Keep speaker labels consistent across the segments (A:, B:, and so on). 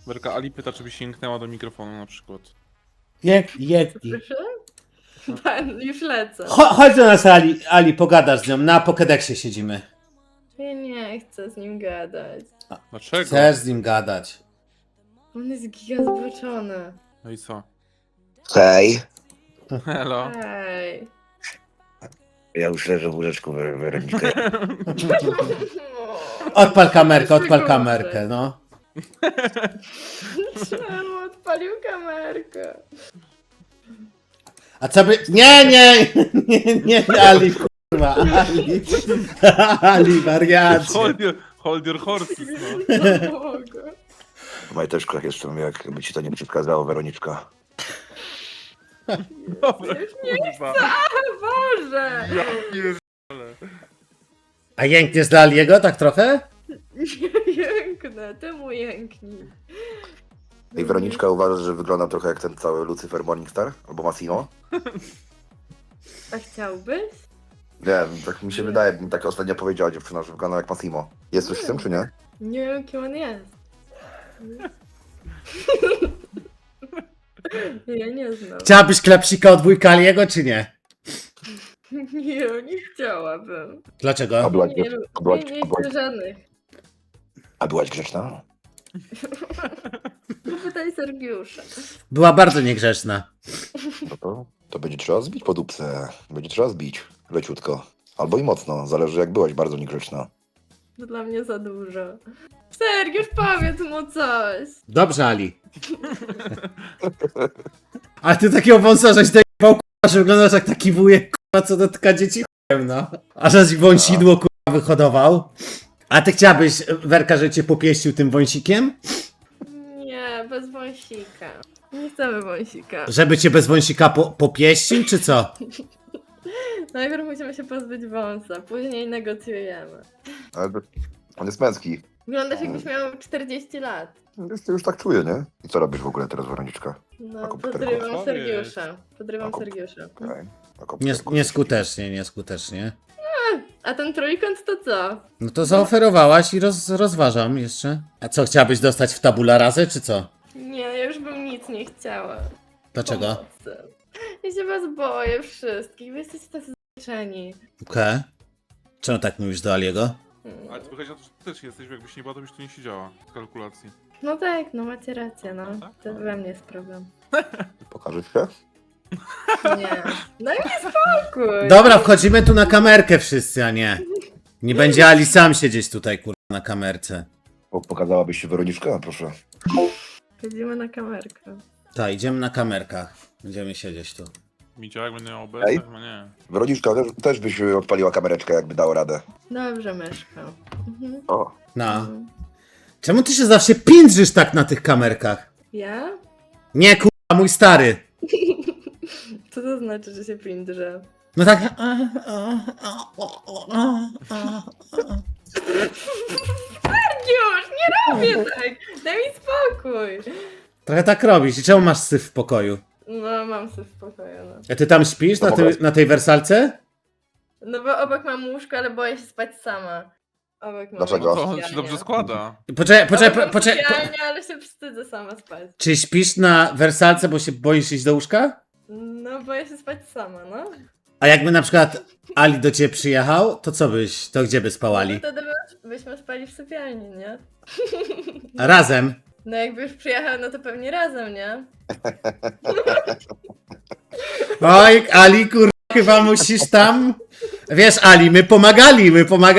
A: Werka, Ali pyta, czy by sięgnęła do mikrofonu na przykład.
B: Jęknij.
C: Słyszę? Pan, już lecę.
B: Chodź do nas, Ali, pogadasz z nią. Na Pokédexie siedzimy.
C: Ja nie chcę z nim gadać.
A: Dlaczego?
B: Chcesz z nim gadać.
C: On jest giga zboczony.
A: No i co?
D: Hej,
A: Hello.
C: Ej.
D: ja już leżę w łóżeczku, Weronika.
B: Odpal kamerkę, no.
C: Czemu odpalił kamerkę?
B: A co by... Nie, Ali, kurwa, Ali, wariacie.
A: Hold your horses, no.
C: No mogę.
D: W majteczkach jestem, jakby ci to nie przeszkadzało, Weroniczka.
A: Dobra,
C: Nie
A: kurwa.
C: Boże!
A: Ja pierdolę.
B: A jękniesz dla Aliego tak trochę?
C: Nie jęknę, ty mu jęknij.
D: I Weroniczka uważa, że wygląda trochę jak ten cały Lucifer Morningstar, albo Massimo.
C: A chciałbyś?
D: Nie wiem, tak mi się wydaje, mi tak ostatnio powiedziała dziewczyna, że wygląda jak Massimo. Jest coś z tym, czy nie?
C: Nie wiem, kim on jest. Ja nie znam.
B: Chciałabyś klepsika od wujka Aliego, czy nie?
C: Nie chciałabym.
B: Dlaczego?
C: Nie chcę żadnych.
D: A byłaś grzeczna?
C: Pytaj Sergiusza.
B: Była bardzo niegrzeczna.
D: No to będzie trzeba zbić po dupce. Będzie trzeba zbić. Leciutko. Albo i mocno, zależy jak byłaś bardzo niegrzeczna.
C: To dla mnie za dużo. Sergiusz, powiedz mu coś.
B: Dobrze, Ali. Ale ty takiego wąsa, żeś dojebał, kurwa, że wyglądasz jak taki wujek, kurwa, co dotyka dzieci chujem, no. A żeś wąsidło, kurwa, wyhodował. A ty chciałabyś, Werka, że cię popieścił tym wąsikiem?
C: Nie, bez wąsika. Nie chcemy wąsika.
B: Żeby cię bez wąsika popieścił, czy co?
C: Najpierw musimy się pozbyć wąsa, później negocjujemy.
D: Ale on jest męski.
C: Wyglądasz jakbyś miał 40 lat.
D: Już tak czuję, nie? I co robisz w ogóle teraz, Weroniczka?
C: No,
D: komputerku.
C: podrywam
A: Co
C: Sergiusza. Podrywam
D: Na kom-
C: Sergiusza.
D: Okej. Na komputerku
B: Nieskutecznie.
C: A ten trójkąt to co?
B: No to zaoferowałaś i rozważam jeszcze. A co, chciałabyś dostać w tabula rasę, czy co?
C: Nie, ja już bym nic nie chciała.
B: Dlaczego?
C: Pomocy. Ja się was boję wszystkich, wy jesteście tacy zmęczeni.
B: Okej. Czemu tak mówisz do Aliego?
A: Ale to wychodzi na to, że ty też jesteś, bo jakbyś nie była, to byś tu nie siedziała w kalkulacji.
C: No tak, no macie rację, no.
A: tak?
C: To we mnie jest problem.
D: Pokażę się?
C: Nie. Daj mi spokój.
B: Dobra, wchodzimy tu na kamerkę wszyscy, a nie. Nie będzie Ali sam siedzieć tutaj, kurwa, na kamerce.
D: Pokazałabyś się Weroniczka? Proszę.
C: Chodzimy na kamerkę.
B: Tak, idziemy na kamerkach. Będziemy siedzieć tu.
A: Micia, jak będę miał
D: Ej.
A: OBS? Chyba nie.
D: Weroniczka, też byś odpaliła kamereczkę, jakby dało radę.
C: Dobrze, myszko. Mhm.
D: O,
B: No. Czemu ty się zawsze pindrzysz tak na tych kamerkach?
C: Ja?
B: Nie, kurwa, mój stary.
C: Co to znaczy, że się pindrzę?
B: No tak.
C: Już, nie robię tak! Daj mi spokój!
B: Trochę tak robisz. I czemu masz syf w pokoju?
C: No, mam sobie w pokoju, no.
B: A ty tam śpisz na tej wersalce?
C: No bo obok mam łóżko, ale boję się spać sama. Obok mam
D: Dlaczego?
A: To on się
C: sypialnię.
A: dobrze składa.
B: Poczekaj.
C: Obok mam sypialnię, ale się wstydzę sama spać.
B: Czy śpisz na wersalce, bo się boisz iść do łóżka?
C: No, boję się spać sama, no.
B: A jakby na przykład Ali do ciebie przyjechał, to to gdzie by
C: No
B: spałali?
C: wtedy byśmy spali w sypialni, nie?
B: Razem.
C: No jakby już przyjechał, no to pewnie razem, nie?
B: Oj, Ali, kurwa, chyba musisz tam... Wiesz, Ali, my pomagali.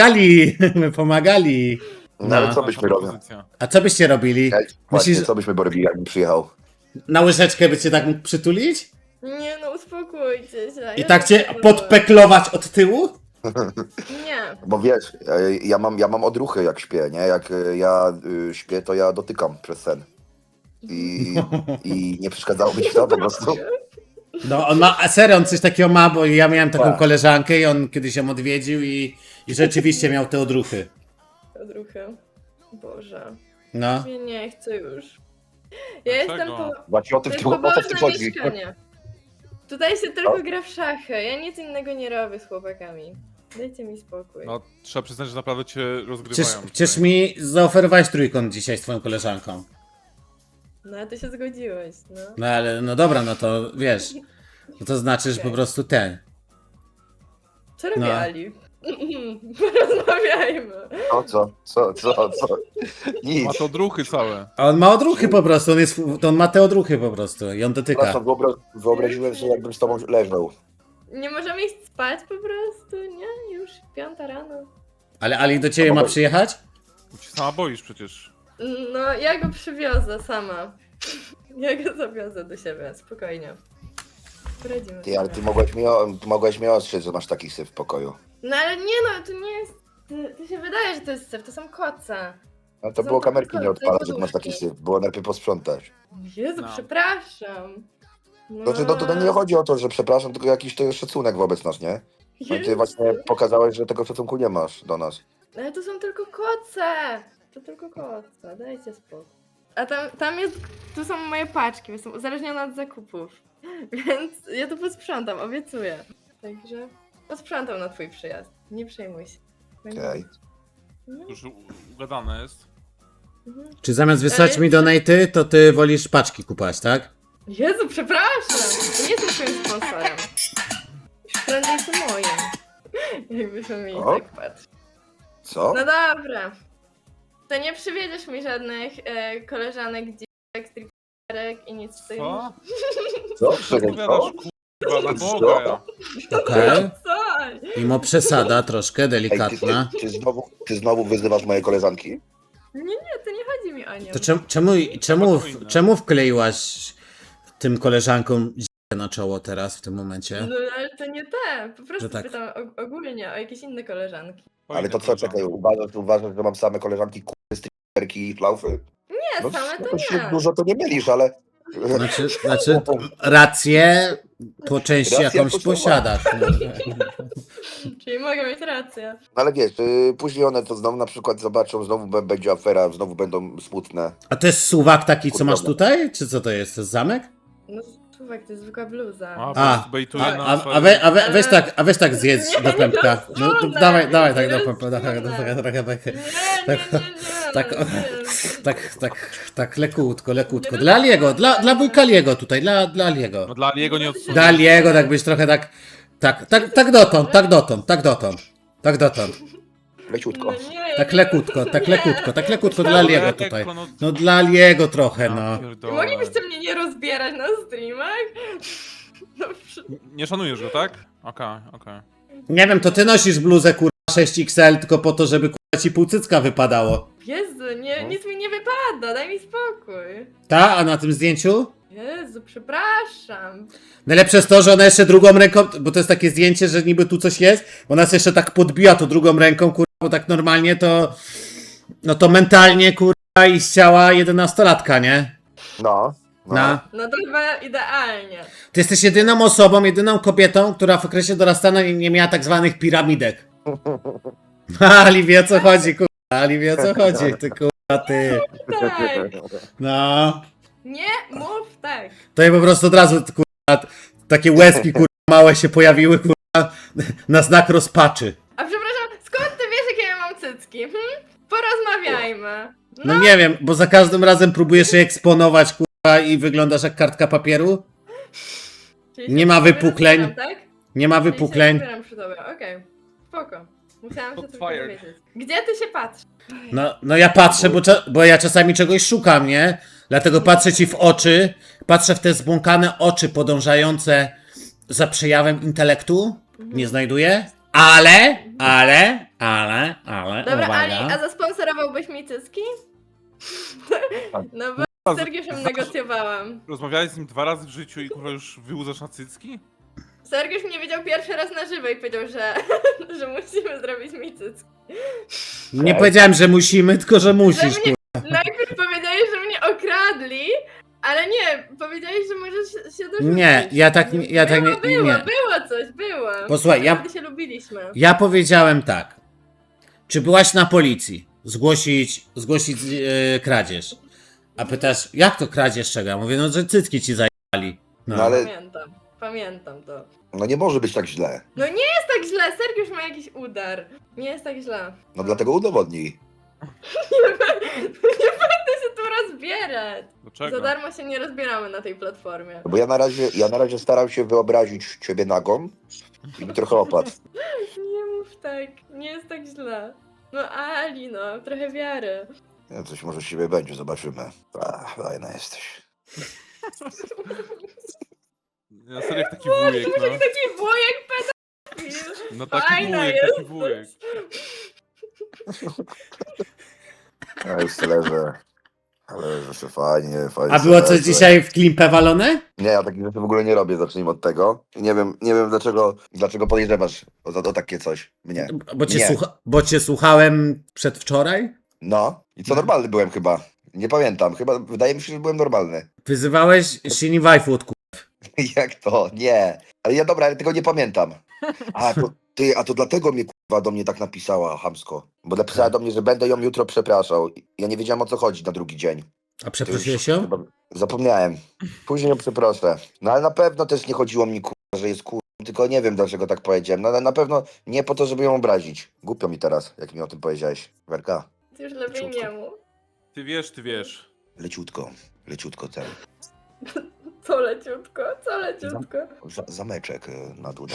D: No ale
B: No.
D: co byśmy robili?
A: Propozycja.
B: A co byście robili?
D: Właśnie,
B: Myślisz,
D: co byśmy robili, jakbym przyjechał?
B: na łyżeczkę by cię tak mógł przytulić?
C: Nie no, uspokójcie się.
B: I
C: ja
B: tak
C: nie
B: cię
C: chcę.
B: podpeklować od tyłu?
C: Nie.
D: Bo wiesz, ja mam odruchy jak śpię, nie? Jak ja śpię, to ja dotykam przez sen. I nie przeszkadzało mi ci to po prostu.
B: No, on ma, a serio, on coś takiego ma, bo ja miałem taką
D: Tak.
B: koleżankę i on kiedyś ją odwiedził i rzeczywiście miał te odruchy.
C: Odruchy. Boże.
B: No.
C: Ja nie chcę już. Ja
A: Dlaczego?
C: jestem po...
D: Właśnie o
C: To
D: tym
C: jest
D: o to w tym
C: pobożne
D: chodzi.
C: mieszkanie. Tutaj się tylko gra w szachy. Ja nic innego nie robię z chłopakami. Dajcie mi spokój.
A: No, trzeba przyznać, że naprawdę cię rozgrywają.
B: Przecież
A: tutaj.
B: mi zaoferowałeś trójkąt dzisiaj z twoją koleżanką.
C: No a ty się zgodziłeś, no.
B: No ale, no dobra, no to wiesz. No to znaczy, że po prostu ten.
C: Co robi
B: No.
C: Ali? Porozmawiajmy.
D: Co? Nic.
A: Ma to druchy całe.
B: A on ma odruchy po prostu, on ma te odruchy po prostu i on dotyka.
D: Przepraszam, wyobraziłem sobie, jakbym z tobą leżał.
C: Nie możemy iść spać po prostu, nie? Już 5 rano.
B: Ale Ali do ciebie ma przyjechać?
A: Ci sama boisz przecież.
C: No, ja go przywiozę sama. Ja go zawiozę do siebie, spokojnie. Poradzimy
D: Ty, ale
C: sobie.
D: ty mogłeś mnie ostrzec, że masz taki syf w pokoju.
C: No ale nie no, to nie jest... To się wydaje, że to jest syf, to są koce.
D: No to
C: Są
D: było
C: tylko
D: kamerki nie
C: koce,
D: odpalać, jak masz
C: poduszki.
D: taki syf. Było najpierw posprzątać.
C: Jezu,
A: No.
C: przepraszam.
D: Znaczy, no tutaj nie chodzi o to, że przepraszam, tylko jakiś to jest szacunek wobec nas, nie? No i ty
C: Jezu.
D: właśnie pokazałeś, że tego szacunku nie masz do nas.
C: Ale to są tylko koce! To tylko koce, dajcie spokój. A tam jest, tu są moje paczki, jestem uzależniona od zakupów. Więc ja to posprzątam, obiecuję. Także posprzątam na twój przyjazd, nie przejmuj się. Będzie
D: Okej.
C: dobrze. Mhm,
A: Już ugadane jest.
C: mhm.
B: Czy zamiast wysłać mi donaty, to ty wolisz paczki kupować, tak?
C: Jezu, przepraszam! Nie jestem twoim sponsorem. Już prędzej to moim. Jakbyśmy mieli
D: O.
C: tak patrzeć.
D: Co?
C: No dobra. To nie przywiedziesz mi żadnych koleżanek, dziewek, stripterek i nic w tym.
A: Co?
D: Co?
A: Co
D: Czekaj,
A: powiadasz,
D: co?
A: kurwa, na
D: Co?
A: Boga ja.
B: Okej.
C: Co?
B: Mimo przesada troszkę,
D: Ej,
B: delikatna.
D: ty znowu wyzywasz moje koleżanki?
C: Nie, to nie chodzi mi o nią.
B: To czemu wkleiłaś tym koleżankom na czoło teraz w tym momencie?
C: No ale to nie te. Po prostu
B: Że tak.
C: pytam ogólnie o jakieś inne koleżanki.
D: Ale to co,
A: Fajnie,
D: czekaj, uważasz, że mam same koleżanki striperki i flaufy?
C: Nie,
D: No,
C: same
D: no
C: to
D: się
C: nie.
D: dużo to nie mylisz, ale...
B: Znaczy rację po części
D: Racja
B: jakąś
D: poszła.
B: posiadasz. No.
C: Czyli mogę mieć rację.
D: No ale wiesz, później one to znowu na przykład zobaczą, znowu będzie afera, znowu będą smutne.
B: A to jest suwak taki, co masz
D: Kurwa.
B: tutaj? Czy co to jest? To jest zamek?
C: No słuchaj, to jest zwykła bluza.
A: A, bejtuje
B: A,
A: nas.
B: weź tak zjedz do pępka. No, to
C: rozsądne,
B: dawaj tak
C: nie
B: do pępka.
C: rozsądne.
B: Tak lekutko. Dla Aliego, dla wujka Aliego tutaj, dla Aliego.
A: No dla Aliego nie odsunie.
B: Dla Aliego, tak byś trochę tak dotąd.
D: Leciutko.
B: Tak lekutko dla Aliego tutaj. No dla Aliego trochę, no.
C: Moglibyście mnie nie rozbierać na streamach? No,
A: Nie szanujesz go, tak? Okej.
B: Nie wiem, to ty nosisz bluzę kurwa 6XL tylko po to, żeby kurwa ci półcycka wypadało.
C: Jezu, nic mi nie wypada, daj mi spokój.
B: Ta? A na tym zdjęciu?
C: Jezu, przepraszam.
B: Najlepsze jest to, że ona jeszcze drugą ręką, bo to jest takie zdjęcie, że niby tu coś jest, ona się jeszcze tak podbiła to drugą ręką, kurwa, bo tak normalnie to, no to mentalnie, kurwa, i z ciała 11-latka, nie?
D: No.
B: No.
C: No to chyba idealnie.
B: Ty jesteś jedyną osobą, jedyną kobietą, która w okresie dorastania nie miała tak zwanych piramidek. Ali wie o co chodzi, kurwa, Ali wie o co chodzi, ty kurwa, ty.
C: Tak.
B: No.
C: Nie mów tak.
B: To je po prostu od razu, kurwa, takie łezki, kurwa, małe się pojawiły, kurwa, na znak rozpaczy.
C: A przepraszam, skąd ty wiesz, jakie ja mam cycki? Porozmawiajmy.
B: No nie wiem, bo za każdym razem próbujesz je eksponować, kurwa, i wyglądasz jak kartka papieru.
C: Czyli
B: Nie
C: się
B: ma
C: przy tobie
B: wypukleń.
C: rozbieram, tak?
B: Nie ma
C: Czyli się
B: wypukleń.
C: rozbieram przy tobie, okej. Spoko. Musiałam się
A: Shots
C: tylko
A: fired.
C: dowiedzieć. Gdzie ty się patrzysz?
B: No ja patrzę, bo ja czasami czegoś szukam, nie? Dlatego patrzę ci w oczy, patrzę w te zbłąkane oczy podążające za przejawem intelektu. Nie znajduję. Ale,
C: Dobra,
B: uwaga.
C: Ali, a zasponsorowałbyś mi cycki? No bo z Sergiuszem negocjowałam.
A: Rozmawiałeś z nim 2 razy w życiu i kurwa już wyłudzasz na cycki?
C: Sergiusz mnie widział pierwszy raz na żywo i powiedział, że, że musimy zrobić mi cycki.
B: Nie powiedziałem, że musimy, tylko że musisz,
C: Że mnie-
B: kurwa.
C: Najpierw powiedziałeś, że mnie okradli, ale nie, powiedziałeś, że możesz się dorzucić.
B: Nie, ja tak nie.
C: Było coś, było.
B: Posłuchaj, ja-
C: Wtedy się lubiliśmy.
B: Ja powiedziałem tak. Czy byłaś na policji? Zgłosić kradzież. A pytasz, jak to kradzież czego? Ja mówię, no że cycki ci zajęli. No.
D: No ale
C: Pamiętam to.
D: no nie może być tak źle.
C: No nie jest tak źle, Sergiusz ma jakiś udar. Nie jest tak źle.
D: No dlatego udowodnij.
C: Nie będę się tu rozbierać.
A: Dlaczego?
C: Za darmo się nie rozbieramy na tej platformie.
D: Bo ja na razie staram się wyobrazić ciebie nagą i mi trochę opadł.
C: Nie mów tak, nie jest tak źle. No Ali, no, trochę wiary.
D: Nie, coś może z siebie będzie, zobaczymy. Fajna jesteś.
A: Ja serio jak taki wujek, no.
C: Taki wujek pedofil.
A: No taki
C: Fajna
A: wujek,
C: jesteś.
A: taki wujek.
D: Ja już tyle, że się fajnie.
B: A było coś dzisiaj w klimpę walone?
D: Nie, ja takich rzeczy w ogóle nie robię, zacznijmy od tego. Nie wiem dlaczego podejrzewasz o takie coś mnie. Nie.
B: Bo cię słuchałem przedwczoraj?
D: No, i co normalny byłem chyba. Nie pamiętam, chyba wydaje mi się, że byłem normalny.
B: Wyzywałeś Shini Waifu od
D: Jak to? Nie. Ale ja dobra, ale tego nie pamiętam. A to dlatego mnie kurwa do mnie tak napisała chamsko. Bo napisała do mnie, że będę ją jutro przepraszał. Ja nie wiedziałem o co chodzi na drugi dzień.
B: A przeprosiłeś ją?
D: Chyba zapomniałem. Później ją przeproszę. No ale na pewno też nie chodziło mi kurwa, że jest kurwa. Tylko nie wiem dlaczego tak powiedziałem. No ale na pewno nie po to, żeby ją obrazić. Głupio mi teraz, jak mi o tym powiedziałeś. Werka,
C: Ty już lepiej nie mów.
A: Ty wiesz.
D: leciutko ten.
C: Co leciutko, co leciutko.
D: Zameczek na dudach.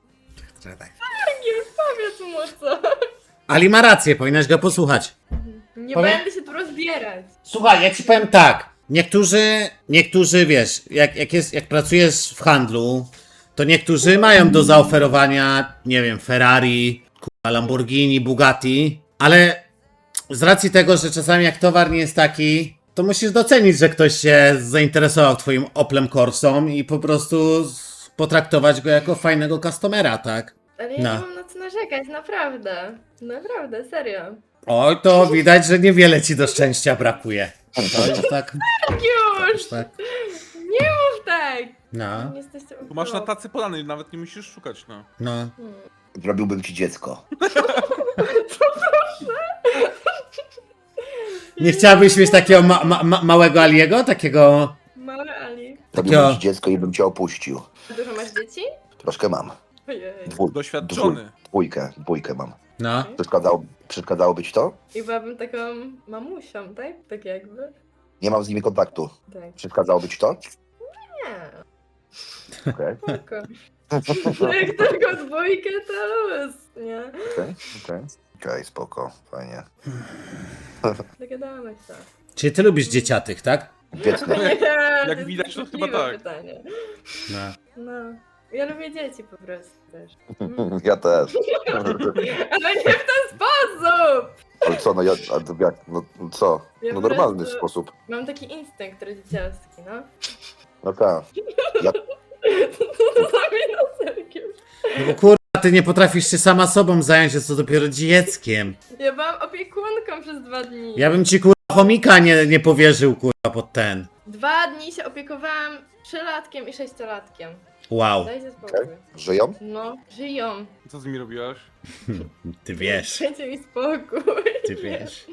C: Nie powiedz mu co.
B: Ali ma rację, powinnaś go posłuchać.
C: Nie
B: Powiem-
C: będę się tu rozbierać.
B: Słuchaj, ja ci powiem tak. Niektórzy wiesz, jak pracujesz w handlu, to niektórzy mają do zaoferowania, nie wiem, Ferrari, kurwa, Lamborghini, Bugatti, ale z racji tego, że czasami jak towar nie jest taki, to musisz docenić, że ktoś się zainteresował twoim Oplem Corsą i po prostu potraktować go jako fajnego customera, tak?
C: Ale ja
B: No.
C: nie mam na co narzekać, naprawdę. Naprawdę, serio.
B: Oj, to widać, że niewiele ci do szczęścia brakuje. To jest tak.
C: Już!
B: tak.
C: Nie mów tak!
B: No,
C: Nie jesteście
A: Tu masz na tacy podany, nawet nie musisz szukać, no.
B: no.
D: Zrobiłbym ci dziecko.
B: Nie chciałabyś mieć takiego małego Aliego? Takiego.
C: Mały Ali.
D: Zrobiłbym ci dziecko i bym cię opuścił.
C: Dużo masz dzieci?
D: Troszkę mam.
C: Ojej.
A: Doświadczony.
D: Dwójkę mam.
B: No.
D: Przeszkadzało być to?
C: I byłabym taką mamusią, tak? Tak jakby.
D: Nie mam z nimi kontaktu.
C: Tak.
D: Przeszkadzało być to?
C: Nie.
D: Okej,
C: Spoko. Jak tylko dwójkę, to luz, nie?
D: okej, spoko, fajnie.
C: Dogadamy się.
B: Czyli ty lubisz dzieciatych, tak?
D: Dziecko.
C: Nie,
A: Jak
C: jest
A: widać, to chyba
C: kłopotliwe
A: tak.
C: Pytanie.
B: No.
C: No. Ja lubię dzieci po prostu też.
D: Ja też.
C: Ale nie w ten sposób!
D: Ale co, no co?
C: Ja
D: No
C: po
D: normalny
C: prostu
D: sposób.
C: Mam taki instynkt rodzicielski, no.
D: No tak.
C: To sami na Sergiusz.
B: No bo kurwa, ty nie potrafisz się sama sobą zająć, jest to dopiero dzieckiem.
C: Ja byłam opiekunką przez 2 dni.
B: Ja bym ci kurwa chomika nie powierzył kurwa pod ten.
C: 2 dni się opiekowałam 3-latkiem i 6-latkiem.
B: Wow.
C: Dajcie spokój.
D: Żyją?
C: No, żyją.
A: Co z nimi robiłaś?
B: Ty wiesz,
C: Dajcie mi spokój.
B: ty wiesz.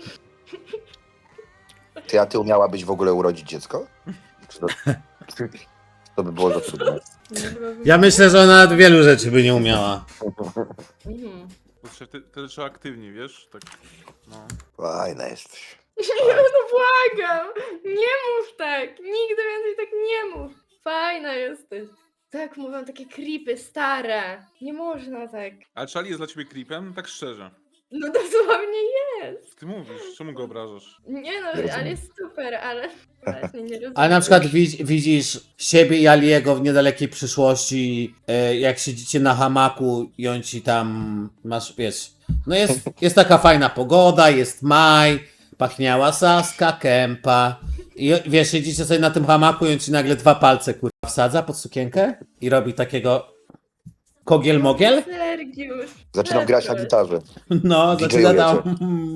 D: Ty umiałabyś w ogóle urodzić dziecko? Czy to by było za trudne.
C: Nie byłabym-
B: Ja myślę, że ona wielu rzeczy by nie umiała.
C: Mhm.
A: Wtedy trzeba aktywnie, wiesz? Tak, no.
D: Fajna jesteś.
C: Nie, no błagam! Nie mów tak! Nigdy więcej tak nie mów! Fajna jesteś. Tak mówią takie creepy stare. Nie można tak.
A: Ale Charlie jest dla ciebie creepem? Tak szczerze.
C: No dosłownie jest.
A: Ty mówisz, czemu go obrażasz?
C: Nie no,
D: Nie rozumiem.
C: ale jest super, ale właśnie nie rozumiem.
B: Ale na przykład widzisz siebie i Aliego w niedalekiej przyszłości, jak siedzicie na hamaku i on ci tam, masz, wiesz, no jest taka fajna pogoda, jest maj, pachniała saska, kępa i wiesz, siedzicie sobie na tym hamaku i on ci nagle 2 palce kurwa wsadza pod sukienkę i robi takiego kogiel-mogiel.
C: Sergiusz.
D: Zaczynam grać na gitarze.
B: No,
D: DJ-ujecie.
B: zaczyna tam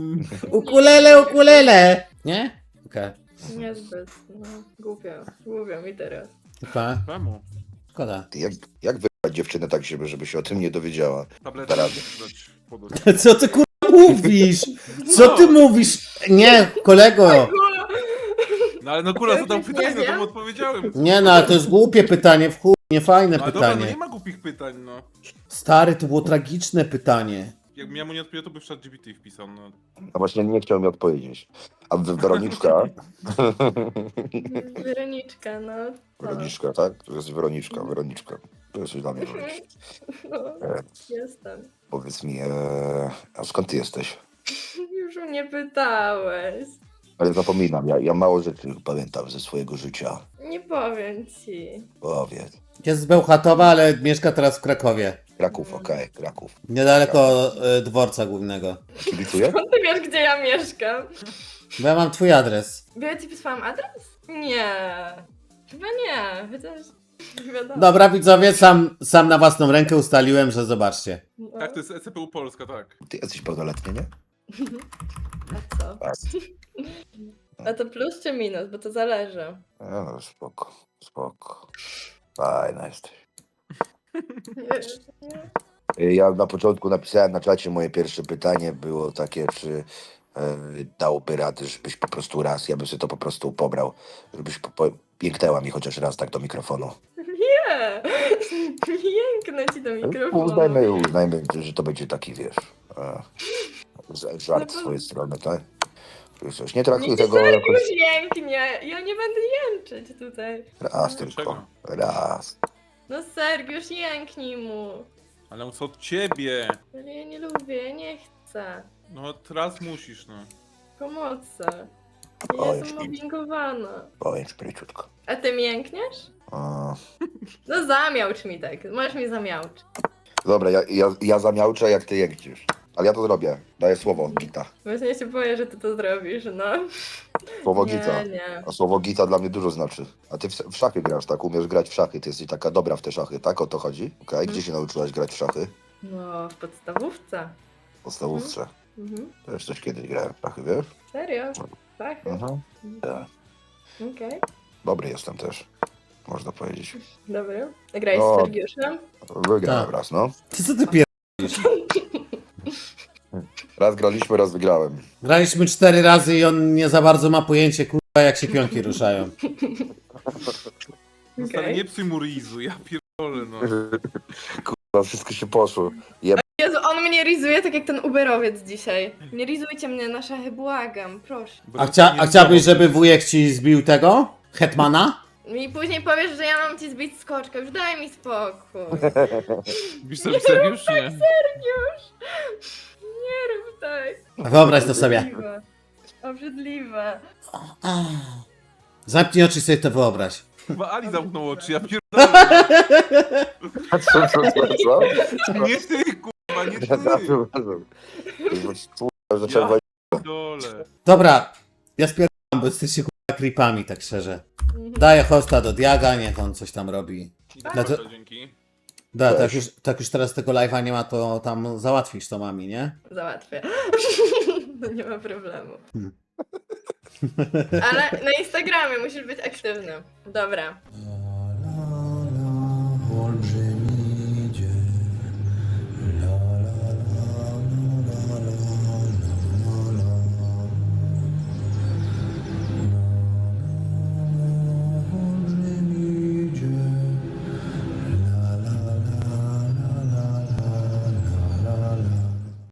B: ukulele, nie? Okej,
C: Niezbyt, no. Głupio mi teraz.
B: okay.
A: Czemu?
B: Szkoda.
D: Ty, jak wybrać dziewczynę tak, żeby się o tym nie dowiedziała?
A: Tabletę
D: Teraz.
A: dać podać.
B: Co ty kurwa mówisz? Co ty mówisz? Nie, kolego.
A: No ale no kurwa, zadał
C: Nie
A: pytanie, no to
C: wiem.
A: mu odpowiedziałem.
B: Nie no, ale to jest głupie pytanie, w chuj, niefajne
A: No ale dobra, no
B: pytanie.
A: nie ma głupich pytań, no.
B: Stary, to było tragiczne pytanie.
A: Jakbym ja mu nie odpowiedział, to by w chat GPT wpisał. No.
D: A właśnie nie chciał mi odpowiedzieć. A Weroniczka?
C: Weroniczka, no.
D: Weroniczka, tak? To jest Weroniczka. To jesteś dla mnie Weroniczka.
C: No,
D: E,
C: jestem.
D: Powiedz mi, a skąd ty jesteś?
C: Już mnie pytałeś.
D: Ale zapominam, ja mało rzeczy pamiętam ze swojego życia.
C: Nie powiem ci.
D: Powiedz.
B: Jest z Bełchatowa, ale mieszka teraz w Krakowie.
D: Kraków, okej, Kraków.
B: Niedaleko dworca głównego.
D: Kibicuję?
C: Skąd ty wiesz, gdzie ja mieszkam?
B: Bo ja mam twój adres.
C: Bo ja ci wysłałam adres? Nie. Chyba nie. Chociaż nie wiadomo.
B: Dobra, widzowie, sam na własną rękę ustaliłem, że zobaczcie.
C: No.
A: Tak, to jest ECPU Polska, tak.
D: Ty jesteś pełnoletni, nie?
C: A co?
D: Tak.
C: A to plus czy minus? Bo to zależy.
D: No, spoko. Fajna jesteś. Ja na początku napisałem na czacie, moje pierwsze pytanie było takie, czy dałoby radę, żebyś po prostu raz, ja bym sobie to po prostu pobrał, żebyś pięknęła mi chociaż raz tak do mikrofonu.
C: Nie! Jęknę ci do mikrofonu.
D: Uznajmy, że to będzie taki, wiesz, żart
C: No bo-
D: z twojej strony, tak? Coś nie traktuj
C: Nie,
D: tego
C: serio
D: jakoś...
C: już jęknie. Ja nie będę jęczeć tutaj.
D: Raz
A: Dlaczego?
D: tylko, raz.
C: No Sergiusz, jęknij mu.
A: Ale co od ciebie?
C: Ale ja nie lubię, ja nie chcę.
A: No teraz musisz, no.
C: Pomocy. Ja
D: Oj,
C: jestem mobbingowana.
D: Powiem szybciutko.
C: A ty mi jękniesz? No zamiałcz mi tak, możesz mi zamiałcz.
D: Dobra, ja zamiałczę, jak ty jękniesz. Ale ja to zrobię. Daję słowo, Gita.
C: Właśnie się boję, że ty to zrobisz, no.
D: Słowo
C: Nie,
D: Gita.
C: nie.
D: A słowo Gita dla mnie dużo znaczy. A ty w szachy grasz, tak? Umiesz grać w szachy. Ty jesteś taka dobra w te szachy, tak? O to chodzi? Okej, Gdzie się nauczyłaś grać w szachy?
C: No, w podstawówce.
D: W podstawówce.
C: Mhm.
D: Też coś kiedyś grałem w szachy, wiesz?
C: Serio? Tak?
D: Mhm. Tak.
C: Okej.
D: Dobry jestem też. Można powiedzieć.
C: Dobry. Grałeś
D: No.
C: z Sergiuszem?
D: Wygrałem
B: Tak.
D: raz, no.
B: Co ty pier...
D: Raz graliśmy, raz wygrałem.
B: Graliśmy 4 razy i on nie za bardzo ma pojęcie, kurwa, jak się pionki ruszają.
A: No stary,
C: Okej.
A: nie psuj mu rizu, ja pierdolę, no.
D: Kurwa, wszystko się poszło.
C: Jezu, on mnie rizuje tak jak ten Uberowiec dzisiaj. Nie rizujcie mnie na szachy, błagam, proszę.
B: A chciałbyś, żeby wujek ci zbił tego? Hetmana?
C: I później powiesz, że ja mam ci zbić skoczkę, już daj mi spokój.
A: Bisz sobie serio, już nie?
C: Sergiusz! Nie rób tak.
B: Wyobraź to sobie.
C: Obrzydliwe. Obrzydliwe.
B: Zamknij oczy i sobie to wyobraź.
A: Chyba Ali zamknął oczy, ja pierdolę.
D: Co?
A: Nie ty, kurwa, nie ty.
D: Zacząłem
A: Ja pierdolę.
B: Dobra, ja spierdzam, bo jesteście kurwa creepami, tak szczerze. Daję hosta do Diaga, niech on coś tam robi.
A: Dobra,
B: to-
A: dzięki.
B: Da,
D: Weź.
B: tak już teraz tego live'a nie ma, to tam załatwisz to mami, nie?
C: Załatwię. No nie ma problemu.
B: Hmm.
C: Ale na Instagramie musisz być aktywny. Dobra.